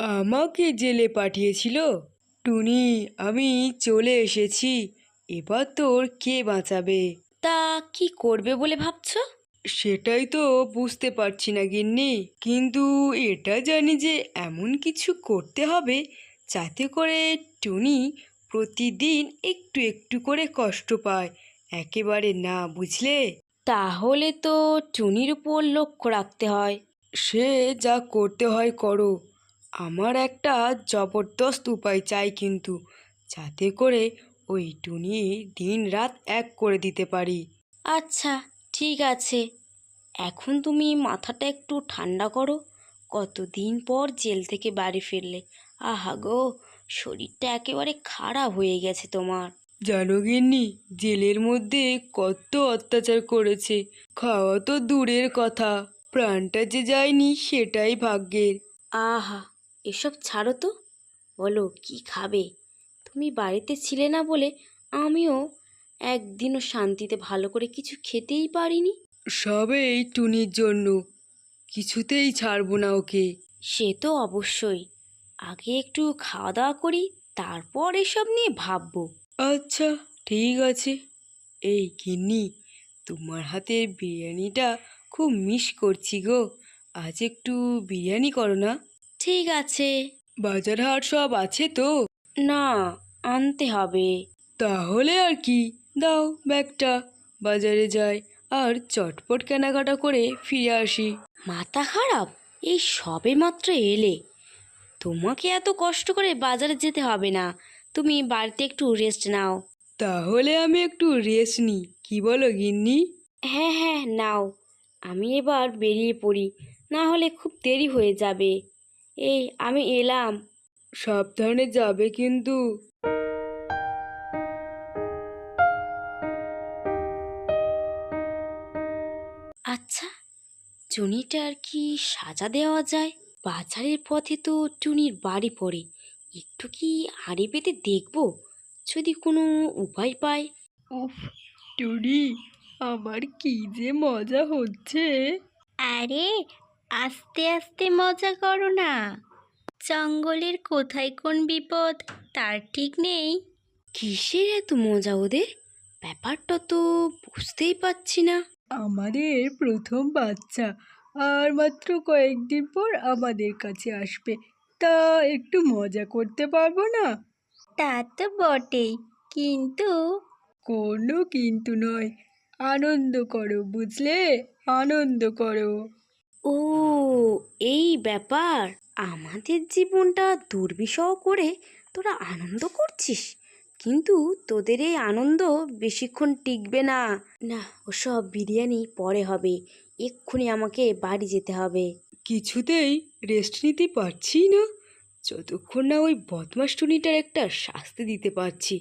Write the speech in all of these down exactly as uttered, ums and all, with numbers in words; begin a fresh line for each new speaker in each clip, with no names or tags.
আমাকে জেলে পাঠিয়েছিল? টুনি, আমি চলে এসেছি। এবার তোর কে বাঁচাবে?
তা কি করবে বলে ভাবছো?
সেটাই তো বুঝতে পারছি না গিন্নি, কিন্তু এটা জানি যে এমন কিছু করতে হবে যাতে করে টুনি প্রতিদিন একটু একটু করে কষ্ট পায়, একেবারে না, বুঝলে?
তাহলে তো টুনির উপর লক্ষ্য রাখতে হয়।
সে যা করতে হয় করো, আমার একটা জবরদস্ত উপায় চাই কিন্তু, যাতে করে ওই টুনি দিন রাত এক করে দিতে পারি।
আচ্ছা, ঠিক আছে। এখন তুমি মাথাটা একটু ঠান্ডা করো। কতদিন পর জেল থেকে বাড়ি ফিরলে। আহা গো, শরীরটা একেবারে খারাপ হয়ে গেছে তোমার।
জানো গিন্নি, জেলের মধ্যে কত অত্যাচার করেছে, খাওয়া তো দূরের কথা, প্রাণটা যে যায়নি সেটাই ভাগ্যের।
আহা, এসব ছাড়ো তো। বলো কি খাবে? তুমি বাড়িতে ছিলে না বলে আমিও একদিনও শান্তিতে ভালো করে কিছু খেতেই পারিনি।
সব এই টুনির জন্য, কিছুতেই ছাড়বো না ওকে।
সে তো অবশ্যই। আগে একটু খাওয়া দাওয়া করি, তারপর এসব নিয়ে ভাববো।
আচ্ছা, ঠিক আছে। এই গিন্নি, তোমার হাতের বিরিয়ানিটা খুব মিস করছি গো, আজ একটু বিরিয়ানি করো না।
ঠিক আছে।
বাজার হাট সব আছে তো?
না, আনতে হবে।
তাহলে আর কি, দাও ব্যাগটা, বাজারে যাই আর চটপট কেনাকাটা করে ফিরে আসি।
মাথা খারাপ? এই সবে মাত্র এলে, তোমাকে এত কষ্ট করে বাজারে যেতে হবে না। তুমি বাড়িতে একটু রেস্ট নাও।
তাহলে আমি একটু রেস্ট নিই, কি বলো গিন্নি?
হ্যাঁ হ্যাঁ, নাও। আমি এবার বেরিয়ে পড়ি, না হলে খুব দেরি হয়ে যাবে। এই আমি এলাম।
সাবধানে যাবে কিন্তু।
আচ্ছা, টুনিটার কি সাজা দেওয়া যায়? বাজারের পথে তো টুনির বাড়ি পড়ে, একটু কি হাঁড়ি পেতে দেখবো, যদি কোনো উপায় পাই।
উফ, টুনি, আমার কি যে মজা হচ্ছে।
আরে, আস্তে আস্তে মজা করো না। জঙ্গলের কোথায় কোন বিপদ তার ঠিক নেই।
কিসের এত মজা ওদের? ব্যাপারটা তো বুঝতেই পারছি না।
আমাদের প্রথম বাচ্চা, আর মাত্র কয়েকদিন পর আমাদের কাছে আসবে, তা একটু মজা করতে পারবো না?
তা তো বটেই, কিন্তু
কোনো কিন্তু নয়, আনন্দ করো, বুঝলে? আনন্দ করো।
ও, এই ব্যাপার। আমাদের জীবনটা দুর্বিষহ করে তোরা আনন্দ করছিস, কিন্তু তোদের এই আনন্দ বেশিক্ষণ টিকবে না। না, ওসব বিরিয়ানি পরে হবে, এক্ষুনি আমাকে বাড়ি যেতে হবে।
কিছুতেই রেস্ট নিতে পারছি না, যতক্ষণ না ওই বদমাস টুনিটার একটা শাস্তি দিতে পারছি।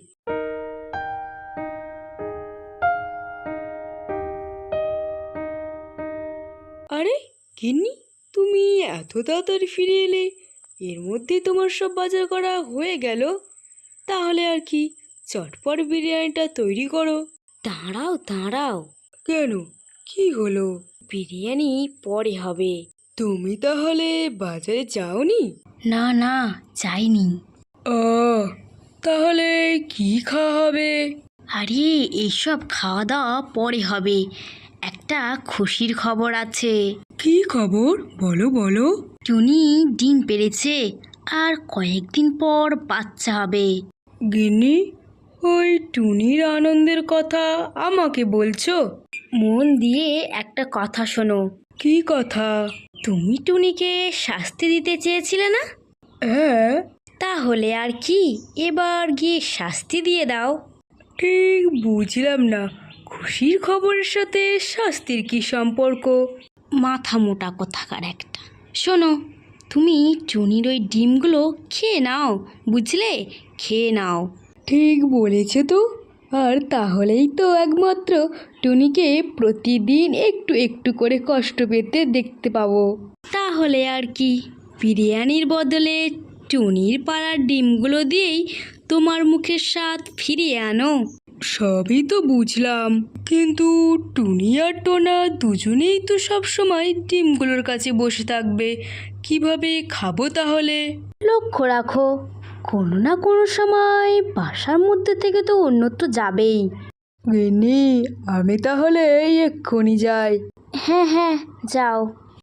আরে গিন্নি, তুমি এত তাড়াতাড়ি ফিরে এলে, এর মধ্যে তোমার সব বাজার করা হয়ে গেল? তাহলে আর কি, চটপট বিরিয়ানিটা তৈরি করো।
দাঁড়াও দাঁড়াও,
কেন, কি হলো?
বিরিয়ানি পরে হবে।
তুমি তাহলে বাজারে যাওনি?
না না, যাইনি।
ও, তাহলে কি খাওয়া হবে?
আরে, এইসব খাওয়া দাওয়া পরে হবে। একটা খুশির খবর আছে।
কি খবর, বলো বলো।
টুনি ডিম পেড়েছে, আর কয়েকদিন পর বাচ্চা হবে।
গিন্নি, ওই টুনির আনন্দের কথা আমাকে বলছো?
মন দিয়ে একটা কথা শোনো।
কি কথা?
তুমি টুনিকে শাস্তি দিতে চেয়েছিলে না?
হ্যাঁ।
তাহলে আর কি, এবার গিয়ে শাস্তি দিয়ে দাও।
ঠিক বুঝলাম না, খুশির খবরের সাথে শাস্তির কি সম্পর্ক?
মাথা মোটা কোথাকার একটা। শোনো, তুমি টুনির ওই ডিমগুলো খেয়ে নাও, বুঝলে? খেয়ে নাও।
ঠিক বলেছে তো, আর তাহলেই তো একমাত্র টুনিকে প্রতিদিন একটু একটু করে কষ্ট পেতে দেখতে পাবো।
তাহলে আর কি, বিরিয়ানির বদলে টুনির পাড়ার ডিমগুলো দিয়েই তোমার মুখের স্বাদ ফিরিয়ে আনো।
সবই তো বুঝলাম, কিন্তু টুনি আর টোনা দুজনেই তো সব সময় ডিমগুলোর কাছে বসে থাকবে, কিভাবে খাবো তাহলে?
লক্ষ্য রাখো, কোনো না কোনো সময় বাসার মধ্যে থেকে তো অন্যত্র যাবেই।
গিন্নি, আমি তাহলে এক্ষুনি যাই।
হ্যাঁ হ্যাঁ, যাও।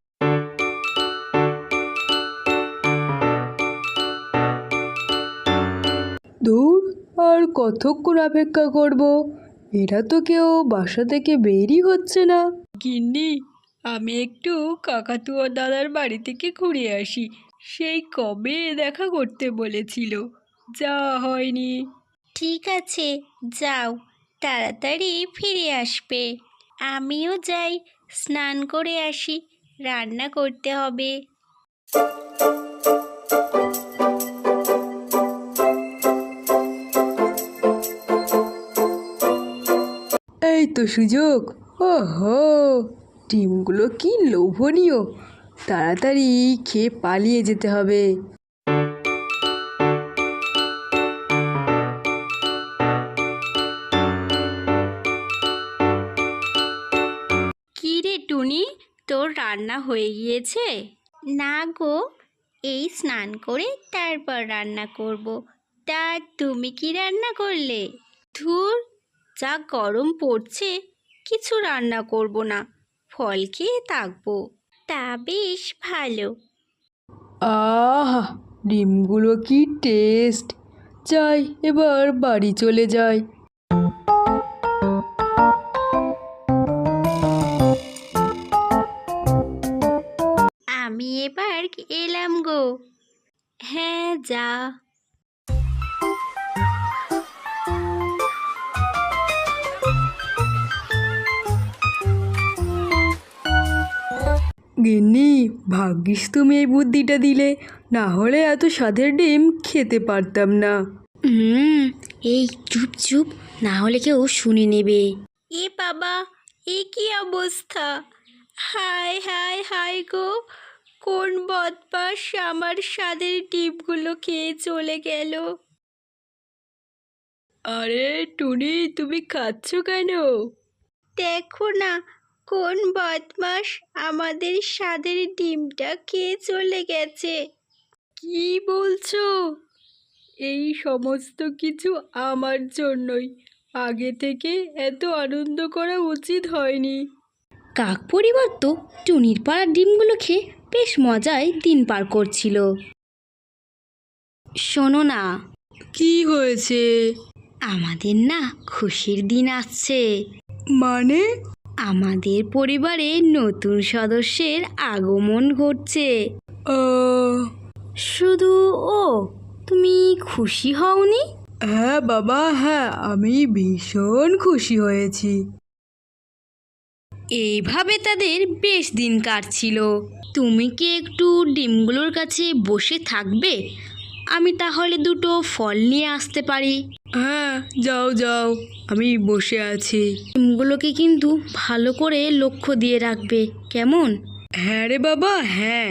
দূর, আর কতক্ষণ অপেক্ষা করব? এরা তো কেউ বাসা থেকে বেরই হচ্ছে না। গিন্নি, আমি একটু কাকাতুয়া দাদার বাড়ি থেকে ঘুরে আসি। সেই কবে দেখা করতে বলেছিল, যা হয়নি।
ঠিক আছে, যাও, তাড়াতাড়ি ফিরে আসবে। আমিও যাই, স্নান করে আসি, রান্না করতে হবে।
এই তো সুযোগ। ওহো, ডিমগুলো কি লোভনীয়! তাড়াতাড়ি খেয়ে পালিয়ে যেতে হবে।
কি রে টুনি, তোর রান্না হয়ে গিয়েছে? না গো, এই স্নান করে তারপর রান্না করব। তা তুমি কি রান্না করলে? ধুর, যা গরম পড়ছে, কিছু রান্না করব না, ফল খেয়ে থাকবো। তা বেশ ভালো।
আহা, ডিমগুলো কি টেস্ট! যাই, এবার বাড়ি চলে যাই।
আমি এবার এলাম গো। হ্যাঁ, যা।
গিন্নি, ভাগ্যিস তুমি এই বুদ্ধিটা দিলে, না হলে এত স্বাদের ডিম খেতে পারতাম না।
হুম, এই চুপ চুপ, না হলে কেউ শুনে নেবে।
এ বাবা, এ কি অবস্থা! হায় হায় হায় গো, কোন বদমাস আমার স্বাদের ডিমগুলো খেয়ে চলে গেল!
আরে টুনি, তুমি খাচ্ছ কেন?
দেখো না, কোন বদমাস আমাদের স্বাদের ডিমটা খেয়ে চলে গেছে।
কি বলছো? এই সমস্ত কিছু আমার জন্যই। আগে থেকে এত আনন্দ করা উচিত হয়নি।
কাক পরিবার তো টুনির পাড়ার ডিমগুলো খেয়ে বেশ মজায় দিন পার করছিল। শোনো না,
কি হয়েছে?
আমাদের না খুশির দিন আসছে।
মানে?
আমাদের পরিবারে নতুন সদস্যের আগমন ঘটছে।
ও,
শুধু ও, তুমি খুশি হওনি?
হ্যাঁ বাবা, হ্যাঁ, আমি ভীষণ খুশি হয়েছি।
এইভাবে তাদের বেশ দিন কাটছিল। তুমি কি একটু ডিমগুলোর কাছে বসে থাকবে? আমি তাহলে দুটো ফল নিয়ে আসতে পারি।
হ্যাঁ, যাও যাও, আমি বসে আছি।
ডিমগুলোকে কিন্তু ভালো করে লক্ষ্য দিয়ে রাখবে, কেমন?
হ্যাঁ রে বাবা, হ্যাঁ।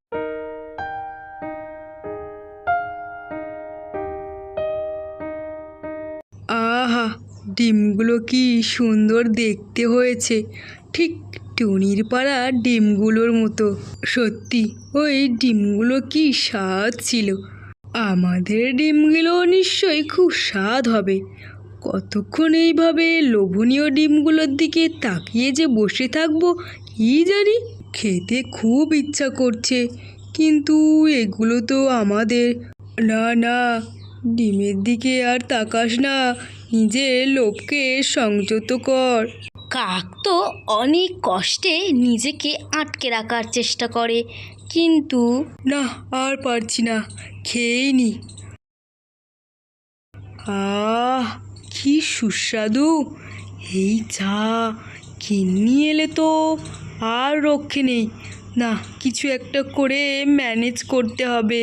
আহা, ডিমগুলো কি সুন্দর দেখতে হয়েছে, ঠিক টুনির পাড়া ডিমগুলোর মতো। সত্যি, ওই ডিমগুলো কি স্বাদ ছিল! আমাদের ডিমগুলো নিশ্চয়ই খুব স্বাদ হবে। কতক্ষণ এইভাবে লোভনীয় ডিমগুলোর দিকে তাকিয়ে যে বসে থাকবো কি জানি। খেতে খুব ইচ্ছা করছে, কিন্তু এগুলো তো আমাদের। না না, ডিমের দিকে আর তাকাস না, নিজের লোভকে সংযত কর।
কাক তো অনেক কষ্টে নিজেকে আটকে রাখার চেষ্টা করে, কিন্তু
না, আর পারছি না, খেয়েই নি। আহ, কি সুস্বাদু! এই চা কিন্নি এলে তো আর রক্ষে নেই। না, কিছু একটা করে ম্যানেজ করতে হবে।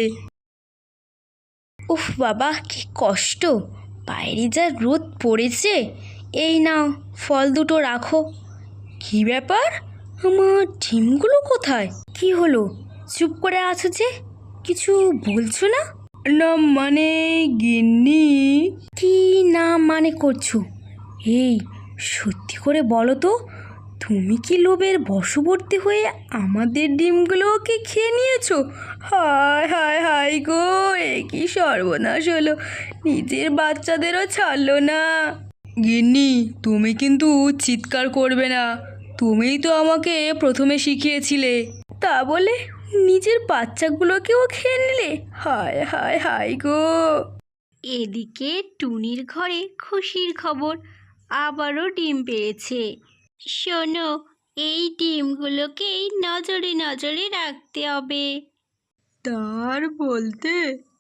উফ বাবা, কি কষ্ট! বাইরে যা রোদ পড়েছে। এই নাও, ফল দুটো রাখো। কি ব্যাপার, আমার ডিমগুলো কোথায়? কি হলো, চুপ করে আছো যে, কিছু বলছো না?
না মানে গিন্নি।
কি না মানে করছো? এই, সত্যি করে বলো তো,
তুমি কি লোভের বশবর্তী হয়ে আমাদের ডিমগুলোকে খেয়ে নিয়েছো? হায় হায় হায় গো, এ কি সর্বনাশ হলো! নিজের বাচ্চাদেরও ছাড়লো না। গিন্নি, তুমি কিন্তু চিৎকার করবে না। তুমিই তো আমাকে প্রথমে শিখিয়েছিলে। তা বলে নিজের বাচ্চাগুলোকেও খেয়ে নিলে? হায় হায় হায় গো।
এদিকে টুনির ঘরে খুশির খবর, আবারও ডিম পেয়েছে। শোনো, এই ডিমগুলোকেই নজরে নজরে রাখতে হবে।
তার বলতে?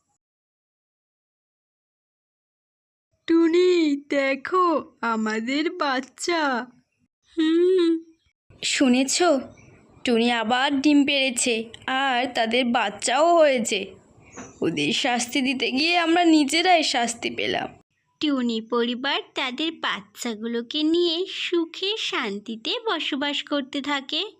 টুনি, দেখো আমাদের বাচ্চা। হুম। শুনেছ, টুনি আবার ডিম পেড়েছে আর তাদের বাচ্চাও হয়েছে। ওদের শাস্তি দিতে গিয়ে আমরা নিজেরাই শাস্তি পেলাম।
টুনি পরিবার তাদের বাচ্চাগুলোকে নিয়ে সুখে শান্তিতে বসবাস করতে থাকে।